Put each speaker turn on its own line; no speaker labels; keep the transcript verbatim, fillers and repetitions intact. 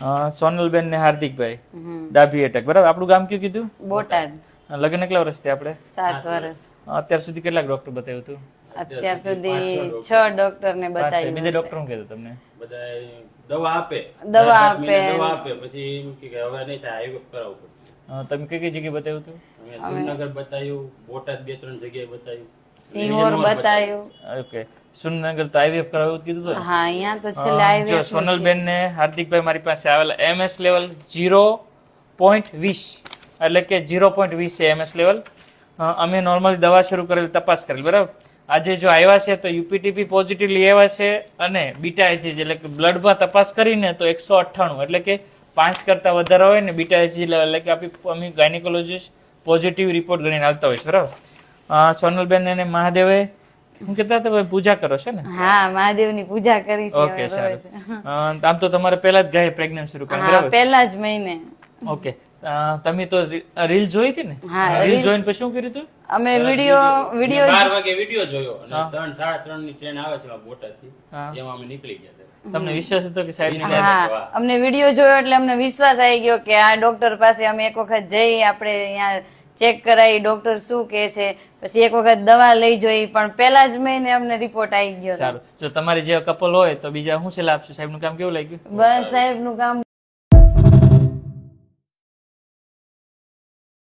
સોનલબેન ને હાર્દિકભાઈ ડાભી એટેક, બરાબર. આપણું ગામ કયું કીધું?
બોટાદ.
લગ્ન કેટલા વર્ષથી આપણે?
સાત વર્ષ.
અત્યાર સુધી કેટલા ડોક્ટર બતાવ્યું હતું?
અત્યાર સુધી છ ડોક્ટર ને બતાવ્યું.
બીજા ડોક્ટર શું કહેતું તમને?
બધા દવા આપે
દવા આપે
દવા આપે પછી એમ કે હવે નહીં થાય આઈવીએફ કરાવવું પડશે.
અ, તમે કઈ કઈ જગ્યાએ બતાવ્યું હતું?
અમે સુરનગર બતાવ્યું, બોટાદ બે ત્રણ જગ્યાએ બતાવ્યું,
સિહોર બતાવ્યું.
ઓકે, સુરનગર તો આઈવીએફ કરાવ્યું કીધું હતું ને?
હા, અહીંયા તો છેલ્લે
જો
આઈવીએફ.
સોનલબેન ને હાર્દિકભાઈ મારી પાસે આવેલા એમએસ લેવલ ઝીરો પોઈન્ટ વીસ, એટલે કે ઝીરો પોઈન્ટ વીસ છે એમએસ લેવલ. અમે નોર્મલી દવા શરૂ કરેલી, તપાસ કરેલી, બરાબર. આજે જો આવ્યા છે તો યુપીટીપી પોઝિટિવલી આવ્યા છે અને બીટા એચજી એટલે કે બ્લડમાં તપાસ કરીને તો એકસો અઠ્ઠાણું એટલે કે પાંચ કરતા વધારે હોય ને બીટા એચજી લેવલ, એટલે કે આપણી અમે ગાયનેકોલોજીસ્ટ પોઝિટિવ રિપોર્ટ ગણીને આવતા હોય છે, બરાબર. અ, સોનલબેન અને મહાદેવે હું કહેતા હતા ભાઈ પૂજા કરો છો ને?
હા, મહાદેવની પૂજા કરી છે.
ઓકે, સારું. અ, આમ તો તમારે પહેલા જ ગાય પ્રેગ્નન્સી શરૂ કરી,
હા,
બરાબર?
પહેલા જ મહિને.
ઓકે, અ, તમે તો રીલ જોઈ હતી ને?
હા,
રીલ જોઈને પછી શું કર્યું હતું?
અમે વિડિયો વિડિયો
બાર વાગે વિડીયો જોયો અને ત્રણ સાડા ત્રણ ની ટ્રેન આવે છે બોટાદ થી, એમાં અમે નીકળી ગયા હતા.
તમને વિશ્વાસ હતો કે સાહેબ?
હા, અમને વિડિયો જોયો એટલે અમને વિશ્વાસ આવી ગયો કે આ ડોક્ટર પાસે અમે એક વખત જઈ, આપણે અહીંયા ચેક કરાવી, ડોક્ટર શું કહે છે, પછી એક વખત દવા લઈ જોઈ, પણ પહેલા જ મહિને અમને રિપોર્ટ આવી ગયો.
સારું. જો તમારી જે કપલ હોય તો બીજા શું સલાહ આપશો? સાહેબનું કામ કેવું લાગ્યું?
બસ સાહેબનું કામ